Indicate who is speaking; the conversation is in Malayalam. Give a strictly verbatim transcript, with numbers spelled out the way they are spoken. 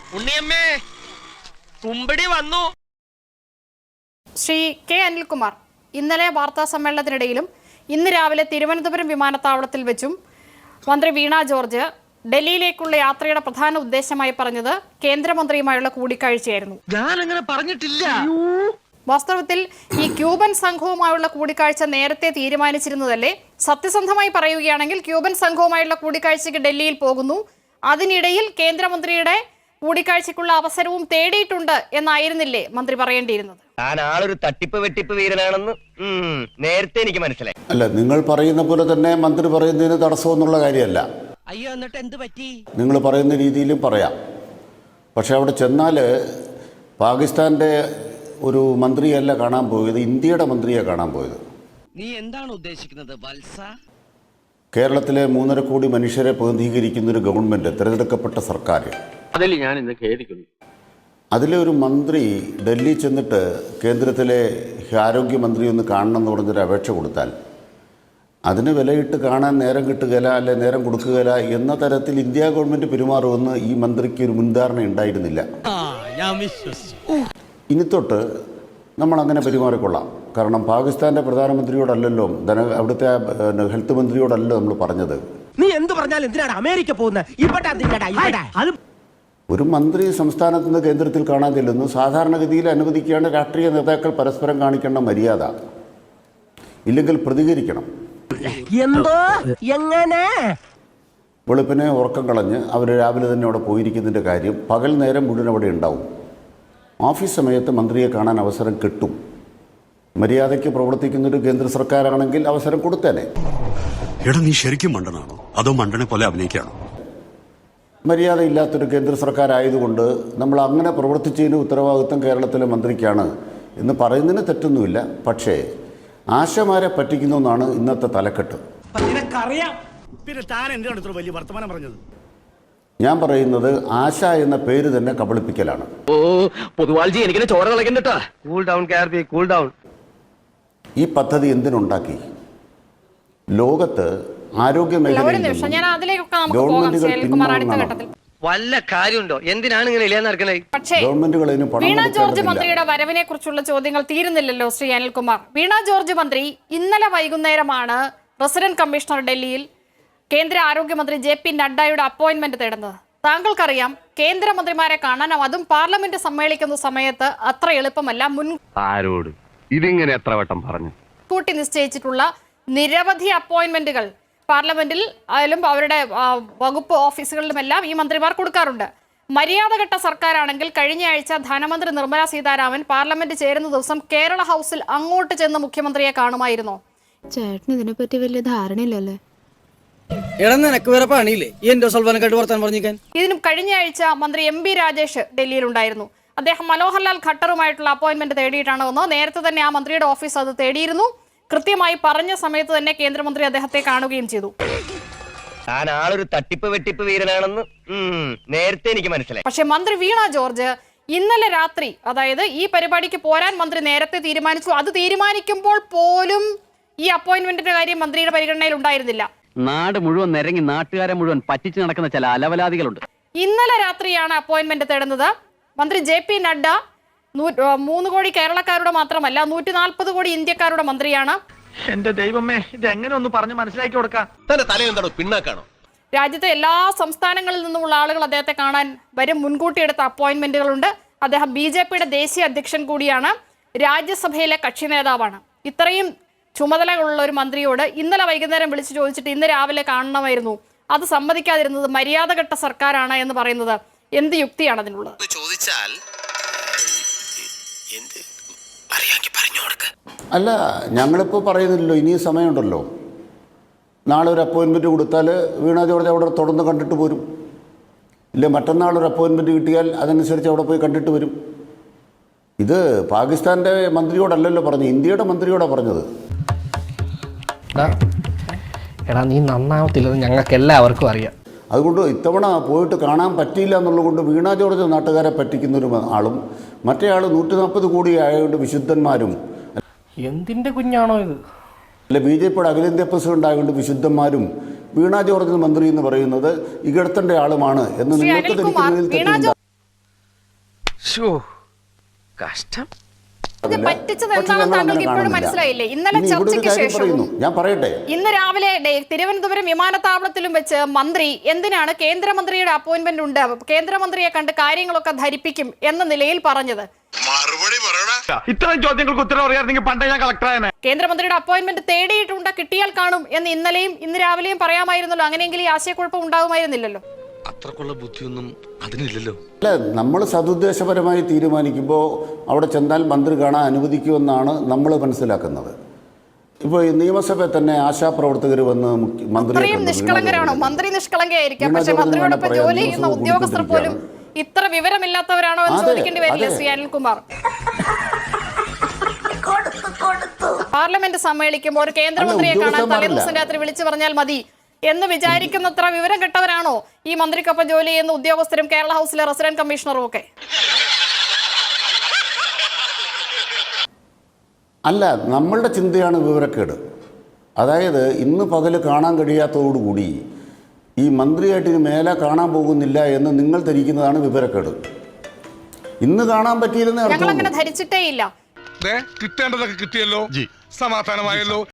Speaker 1: ഉണ്ണിയമ്മേ കുമ്പടി വന്നു.
Speaker 2: ശ്രീ കെ അനിൽകുമാർ ഇന്നലെ വാർത്താ സമ്മേളനത്തിനിടയിലും ഇന്ന് രാവിലെ തിരുവനന്തപുരം വിമാനത്താവളത്തിൽ വെച്ചും മന്ത്രി വീണ ജോർജ് ഡൽഹിയിലേക്കുള്ള യാത്രയുടെ പ്രധാന ഉദ്ദേശമായി പറഞ്ഞത് കേന്ദ്രമന്ത്രിയുമായുള്ള കൂടിക്കാഴ്ചയായിരുന്നു.
Speaker 1: ഞാൻ അങ്ങനെ പറഞ്ഞിട്ടില്ല.
Speaker 2: വാസ്തവത്തിൽ ഈ ക്യൂബൻ സംഘവുമായുള്ള കൂടിക്കാഴ്ച നേരത്തെ തീരുമാനിച്ചിരുന്നതല്ലേ? സത്യസന്ധമായി പറയുകയാണെങ്കിൽ ക്യൂബൻ സംഘവുമായുള്ള കൂടിക്കാഴ്ചയ്ക്ക് ഡൽഹിയിൽ പോകുന്നു, അതിനിടയിൽ കേന്ദ്രമന്ത്രിയുടെ കൂടിക്കാഴ്ചയ്ക്കുള്ള അവസരവും തേടിയിട്ടുണ്ട് എന്നായിരുന്നില്ലേ മന്ത്രി പറയേണ്ടിയിരുന്നത്?
Speaker 1: ഞാൻ ആളൊരു തട്ടിപ്പ് വെട്ടിപ്പ് വീരനാണെന്ന് നേരത്തെ എനിക്ക് മനസ്സിലായി.
Speaker 3: അല്ല, നിങ്ങൾ പറയുന്ന പോലെ തന്നെ മന്ത്രി പറയുന്നതിന് തടസ്സമൊന്നുള്ള കാര്യമല്ല.
Speaker 1: അയ്യോ, എന്നിട്ട് എന്ത് പറ്റി?
Speaker 3: നിങ്ങൾ പറയുന്ന രീതിയിലും പറയാം. പക്ഷെ അവിടെ ചെന്നാൽ പാകിസ്ഥാൻ്റെ ഒരു മന്ത്രിയല്ല കാണാൻ പോയത്, ഇന്ത്യയുടെ മന്ത്രിയെ കാണാൻ പോയത്.
Speaker 1: നീ എന്താണ് ഉദ്ദേശിക്കുന്നത് വത്സ?
Speaker 3: കേരളത്തിലെ മൂന്നര കോടി മനുഷ്യരെ പ്രതിനിധീകരിക്കുന്ന ഒരു ഗവൺമെൻറ്, തിരഞ്ഞെടുക്കപ്പെട്ട സർക്കാർ,
Speaker 4: അതിൽ ഞാൻ ഇന്ന് ഖേദിക്കുന്നു.
Speaker 3: അതിലെ ഒരു മന്ത്രി ഡൽഹി ചെന്നിട്ട് കേന്ദ്രത്തിലെ ആരോഗ്യമന്ത്രി ഒന്ന് കാണണം എന്ന് പറഞ്ഞൊരു അപേക്ഷ കൊടുത്താൽ അതിന് വിലയിട്ട് കാണാൻ നേരം കിട്ടുകയില്ല, അല്ലെ നേരം കൊടുക്കുകയില്ല എന്ന തരത്തിൽ ഇന്ത്യ ഗവൺമെൻറ് പെരുമാറുമെന്ന് ഈ മന്ത്രിക്ക് ഒരു മുൻധാരണ ഉണ്ടായിരുന്നില്ല. ഇനി തൊട്ട് നമ്മൾ അങ്ങനെ പെരുമാറിക്കൊള്ളാം. കാരണം പാകിസ്ഥാൻ്റെ പ്രധാനമന്ത്രിയോടല്ലല്ലോ, ധന അവിടുത്തെ ഹെൽത്ത് മന്ത്രിയോടല്ലോ നമ്മൾ പറഞ്ഞത്.
Speaker 5: നീ എന്ത് പറഞ്ഞാലും എന്തിനാണ് അമേരിക്ക പോകുന്നത്?
Speaker 3: ഒരു മന്ത്രി സംസ്ഥാനത്ത് നിന്ന് കേന്ദ്രത്തിൽ കാണാൻ ചെല്ലുന്നു, സാധാരണഗതിയിൽ അനുവദിക്കുകയാണ് രാഷ്ട്രീയ നേതാക്കൾ പരസ്പരം കാണിക്കേണ്ട മര്യാദ. ഇല്ലെങ്കിൽ പ്രതികരിക്കണം.
Speaker 5: എന്തോ എങ്ങനെ
Speaker 3: വെളുപ്പിനെ ഉറക്കം കളഞ്ഞ് അവർ രാവിലെ തന്നെ അവിടെ പോയിരിക്കുന്നതിൻ്റെ കാര്യം പകൽ നേരം മുഴുവൻ അവിടെ ഉണ്ടാവും. ഓഫീസ് സമയത്ത് മന്ത്രിയെ കാണാൻ അവസരം കിട്ടും. മര്യാദയ്ക്ക് പ്രവർത്തിക്കുന്നൊരു കേന്ദ്ര സർക്കാരാണെങ്കിൽ അവസരം കൊടുത്തേനെ.
Speaker 6: എടാ, നീ ശരിക്കും മണ്ടനാണോ അതോ മണ്ടനെ പോലെ അഭിനയിക്കാണോ?
Speaker 3: മര്യാദയില്ലാത്തൊരു കേന്ദ്ര സർക്കാരായതുകൊണ്ട് നമ്മൾ അങ്ങനെ പ്രവർത്തിച്ചതിന് ഉത്തരവാദിത്വം കേരളത്തിലെ മന്ത്രിക്കാണ് എന്ന് പറയുന്നതിന് തെറ്റൊന്നുമില്ല. പക്ഷേ ആശമാരെ പറ്റിക്കുന്നു എന്നാണ് ഇന്നത്തെ തലക്കെട്ട്. ഞാൻ പറയുന്നത് ആശ എന്ന പേര് തന്നെ കബളിപ്പിക്കലാണ്. ഈ പദ്ധതി എന്തിനുണ്ടാക്കി? ലോകത്ത് ആരോഗ്യ മേഖലയിൽ
Speaker 1: വല്ല കാര്യമുണ്ടോ? എന്തിനാണ് ഇങ്ങനെ ഇല്ലാന്ന് നടക്കുന്നത്?
Speaker 2: പക്ഷേ വീണ ജോർജ് മന്ത്രിയുടെ വരവിനെ കുറിച്ചുള്ള ചോദ്യങ്ങൾ തീരുന്നില്ലല്ലോ ശ്രീ അനിൽകുമാർ. വീണ ജോർജ് മന്ത്രി ഇന്നലെ വൈകുന്നേരമാണ് റെസിഡന്റ് കമ്മീഷണർ ഡൽഹിയിൽ കേന്ദ്ര ആരോഗ്യമന്ത്രി ജെ പി നഡ്ഡയുടെ അപ്പോയിന്റ്മെന്റ് തേടുന്നത്. താങ്കൾക്കറിയാം, കേന്ദ്രമന്ത്രിമാരെ കാണാൻ, അതും പാർലമെന്റ് സമ്മേളിക്കുന്ന സമയത്ത് അത്ര എളുപ്പമല്ല.
Speaker 4: ആരോട് ഇതിങ്ങനെ എത്ര വട്ടം പറഞ്ഞു
Speaker 2: കൂട്ടി നിശ്ചയിച്ചിട്ടുള്ള നിരവധി അപ്പോയിന്റ്മെന്റുകൾ പാർലമെന്റിൽ ആയാലും അവരുടെ വകുപ്പ് ഓഫീസുകളിലുമെല്ലാം ഈ മന്ത്രിമാർ കൊടുക്കാറുണ്ട്. മര്യാദഘട്ട സർക്കാരാണെങ്കിൽ കഴിഞ്ഞ ആഴ്ച ധനമന്ത്രി നിർമ്മല സീതാരാമൻ പാർലമെന്റ് ചേരുന്ന ദിവസം കേരള ഹൗസിൽ അങ്ങോട്ട് ചെന്ന് മുഖ്യമന്ത്രിയെ കാണുമായിരുന്നോ?
Speaker 7: ചേട്ടന് ഇതിനെപ്പറ്റി വലിയ ധാരണയില്ലല്ലേ?
Speaker 2: ഇതിനും കഴിഞ്ഞ ആഴ്ച മന്ത്രി എം ബി രാജേഷ് ഡൽഹിയിലുണ്ടായിരുന്നു. അദ്ദേഹം മനോഹർലാൽ ഖട്ടറുമായിട്ടുള്ള അപ്പോയിന്റ്മെന്റ് തേടിയിട്ടാണ് വന്നത്. നേരത്തെ തന്നെ ആ മന്ത്രിയുടെ ഓഫീസ് അത് തേടിയിരുന്നു. കൃത്യമായി പറഞ്ഞ സമയത്ത് തന്നെ കേന്ദ്രമന്ത്രി അദ്ദേഹത്തെ കാണുകയും ചെയ്തു.
Speaker 1: ഞാൻ ആളൊരു തട്ടിപ്പ് വെട്ടിപ്പ് വീരനാണെന്ന് നേരത്തെ എനിക്ക് മനസ്സിലായി.
Speaker 2: പക്ഷെ മന്ത്രി വീണ ജോർജ് ഇന്നലെ രാത്രി, അതായത് ഈ പരിപാടിക്ക് പോരാൻ മന്ത്രി നേരത്തെ തീരുമാനിച്ചു. അത് തീരുമാനിക്കുമ്പോൾ പോലും ഈ അപ്പോയിന്റ്മെന്റിന്റെ കാര്യം മന്ത്രിയുടെ പരിഗണനയിൽ ഉണ്ടായിരുന്നില്ല.
Speaker 4: നാട് മുഴുവൻ നിരങ്ങി നാട്ടുകാരെ മുഴുവൻ പറ്റിച്ചു നടക്കുന്ന ചില അലവലാദികളുണ്ട്.
Speaker 2: ഇന്നലെ രാത്രിയാണ് അപ്പോയിന്റ്മെന്റ് തേടുന്നത്. മന്ത്രി ജെ പി നഡ്ഡ മൂന്ന് കോടി കേരളക്കാരുടെ മാത്രമല്ല, നൂറ്റി നാൽപ്പത് കോടി ഇന്ത്യക്കാരുടെ മന്ത്രിയാണ്.
Speaker 5: എന്റെ ദൈവമേ, ഇത് എങ്ങനെ ഒന്ന് പറഞ്ഞു മനസ്സിലാക്കി കൊടുക്കാം?
Speaker 1: പിന്നാക്കാണോ?
Speaker 2: രാജ്യത്തെ എല്ലാ സംസ്ഥാനങ്ങളിൽ നിന്നുമുള്ള ആളുകൾ അദ്ദേഹത്തെ കാണാൻ വരും. മുൻകൂട്ടി എടുത്ത അപ്പോയിന്റ്മെന്റുകളുണ്ട്. അദ്ദേഹം ബി ജെ പിയുടെ ദേശീയ അധ്യക്ഷൻ കൂടിയാണ്, രാജ്യസഭയിലെ കക്ഷി നേതാവാണ്. ഇത്രയും ചുമതലകളുള്ള ഒരു മന്ത്രിയോട് ഇന്നലെ വൈകുന്നേരം വിളിച്ചു ചോദിച്ചിട്ട് ഇന്ന് രാവിലെ കാണണമായിരുന്നു, അത് സമ്മതിക്കാതിരുന്നത് മര്യാദഘട്ട സർക്കാരാണ് എന്ന് പറയുന്നത് എന്ത് യുക്തിയാണ് അതിനുള്ളത്?
Speaker 1: ചോദിച്ചാൽ
Speaker 3: അല്ല, ഞങ്ങളിപ്പോൾ പറയുന്നില്ലല്ലോ, ഇനിയും സമയമുണ്ടല്ലോ. നാളെ ഒരു അപ്പോയിൻമെൻറ്റ് കൊടുത്താൽ വീണ ജോർജ് അവിടെ തുടർന്ന് കണ്ടിട്ട് പോരും. ഇല്ല, മറ്റന്നാൾ ഒരു അപ്പോയിൻമെൻറ്റ് കിട്ടിയാൽ അതനുസരിച്ച് അവിടെ പോയി കണ്ടിട്ട് വരും. ഇത് പാകിസ്ഥാൻ്റെ മന്ത്രിയോടല്ലല്ലോ പറഞ്ഞു, ഇന്ത്യയുടെ മന്ത്രിയോടാണ് പറഞ്ഞത്.
Speaker 8: എടാ, നീ നന്നാവത്തില്ലെന്ന് ഞങ്ങൾക്ക് എല്ലാവർക്കും അറിയാം.
Speaker 3: അതുകൊണ്ട് ഇത്തവണ പോയിട്ട് കാണാൻ പറ്റിയില്ല എന്നുള്ളതുകൊണ്ട് വീണ ജോർജ് നാട്ടുകാരെ പറ്റിക്കുന്നൊരു ആളും മറ്റേ ആൾ നൂറ്റി നാൽപ്പത് കോടി ആയതുകൊണ്ട് വിശുദ്ധന്മാരും.
Speaker 8: എന്തിൻ്റെ കുഞ്ഞാണോ ഇത്?
Speaker 3: അല്ല, ബി ജെ പിയുടെ അഖിലേന്ത്യാ പ്രസിഡന്റ് ആയതുകൊണ്ട് വിശുദ്ധന്മാരും വീണ ജോർജ് മന്ത്രി എന്ന് പറയുന്നത് ഇകഴ്ത്തേണ്ട ആളുമാണ് എന്ന് നിങ്ങൾക്ക് ധരിക്കുന്നതിൽ തെറ്റുണ്ട്.
Speaker 2: ഇത്
Speaker 3: അതില്ല.
Speaker 2: പറ്റിച്ചത്
Speaker 3: പക്ഷേ
Speaker 2: എന്താണെന്ന്
Speaker 3: ഞങ്ങൾ
Speaker 2: താങ്കൾക്ക്
Speaker 3: അങ്ങനെ
Speaker 2: ഇപ്പോഴും
Speaker 3: കാണുന്നില്ല.
Speaker 2: മനസ്സിലായില്ലേ? ഇന്നലെ
Speaker 3: ഇനി ഇവിടെ ഒരു
Speaker 2: ചർച്ചയ്ക്ക്
Speaker 3: കാര്യം
Speaker 2: ശേഷവും
Speaker 3: പറയുന്നു. ഞാൻ പറയട്ടെ,
Speaker 2: ഇന്ന് രാവിലെ ഡേ- തിരുവനന്തപുരം വിമാനത്താവളത്തിലും വെച്ച് മന്ത്രി എന്തിനാണ് കേന്ദ്രമന്ത്രിയുടെ അപ്പോയിന്റ്മെന്റ് ഉണ്ട്, കേന്ദ്രമന്ത്രിയെ കണ്ട് കാര്യങ്ങളൊക്കെ ധരിപ്പിക്കും എന്ന നിലയിൽ പറഞ്ഞത്.
Speaker 9: ഇത്തരം ചോദ്യങ്ങൾക്ക് ഉത്തരം അറിയാമെങ്കിൽ പണ്ടേ ഞാൻ കളക്ടറായ
Speaker 2: കേന്ദ്രമന്ത്രിയുടെ അപ്പോയിന്റ്മെന്റ് തേടിയിട്ടുണ്ട്, കിട്ടിയാൽ കാണും എന്ന് ഇന്നലെയും ഇന്ന് രാവിലെയും പറയാമായിരുന്നല്ലോ. അങ്ങനെയെങ്കിൽ ഈ ആശയക്കുഴപ്പം ഉണ്ടാകുമായിരുന്നില്ലല്ലോ.
Speaker 10: അത്രക്കുള്ള ബുദ്ധിയൊന്നും അതിനില്ലല്ലോ.
Speaker 3: അല്ല, നമ്മൾ സതുദ്ദേശപരമായി തീരുമാനിക്കുമ്പോൾ അവിടെ ചെന്നാൽ മന്ത്രി കാണാൻ അനുവദിക്കുമെന്നാണ് നമ്മൾ മനസ്സിലാക്കുന്നത്. ഇപ്പോൾ ഈ നിയമസഭയിൽ തന്നെ ആശാപ്രവർത്തകർ വന്ന് മുഖ്യ- മന്ത്രിയെ
Speaker 2: അത്രയും
Speaker 3: കണ്ടു.
Speaker 2: നിഷ്കളങ്കരാണോ? മന്ത്രി നിഷ്കളങ്കയായിരിക്കാം,
Speaker 3: വീണ
Speaker 2: പക്ഷെ
Speaker 3: ജോർജിന്
Speaker 2: മന്ത്രിയോടൊപ്പം
Speaker 3: വേണ്ട
Speaker 2: ജോലി
Speaker 3: പറയാം.
Speaker 2: ചെയ്യുന്ന
Speaker 3: ദിവസവും
Speaker 2: ഉദ്യോഗസ്ഥർ പോലും
Speaker 3: കൂടിക്കൊണ്ടിരിക്കുകയാണ്.
Speaker 2: ഇത്ര വിവരമില്ലാത്തവരാണോ എന്ന്
Speaker 3: അതെ,
Speaker 2: ചോദിക്കേണ്ടി വരില്ലേ
Speaker 3: അതെ.
Speaker 2: ശ്രീ അനിൽകുമാർ? പാർലമെന്റ് സമ്മേളിക്കുമ്പോൾ ഒരു കേന്ദ്രമന്ത്രിയെ
Speaker 3: അല്ല,
Speaker 2: കാണാൻ
Speaker 3: ഉദ്യോഗസ്ഥന്മാരല്ല.
Speaker 2: തലേദിവസം രാത്രി വിളിച്ചു പറഞ്ഞാൽ മതി എന്ന് വിചാരിക്കുന്നത്ര വിവരം കെട്ടവരാണോ ഈ മന്ത്രിക്കൊപ്പം ജോലി ചെയ്യുന്ന ഉദ്യോഗസ്ഥരും കേരള ഹൗസിലെ റെസിഡന്റ് കമ്മീഷണറും ഒക്കെ?
Speaker 3: അല്ല, നമ്മളുടെ ചിന്തയാണ് വിവരക്കേട്. അതായത് ഇന്ന് പകല് കാണാൻ കഴിയാത്തതോടുകൂടി ഈ മന്ത്രിയായിട്ട് ഇനി മേലെ കാണാൻ പോകുന്നില്ല എന്ന് നിങ്ങൾ ധരിക്കുന്നതാണ് വിവരക്കേട്. ഇന്ന് കാണാൻ പറ്റിയില്ലെന്ന്
Speaker 2: ഞങ്ങൾ
Speaker 3: അർത്ഥമുള്ളൂ.
Speaker 2: അങ്ങനെ ധരിച്ചിട്ടേ ഇല്ല.
Speaker 9: കിട്ടേണ്ടതൊക്കെ കിട്ടിയല്ലോ, സമാധാനമായല്ലോ.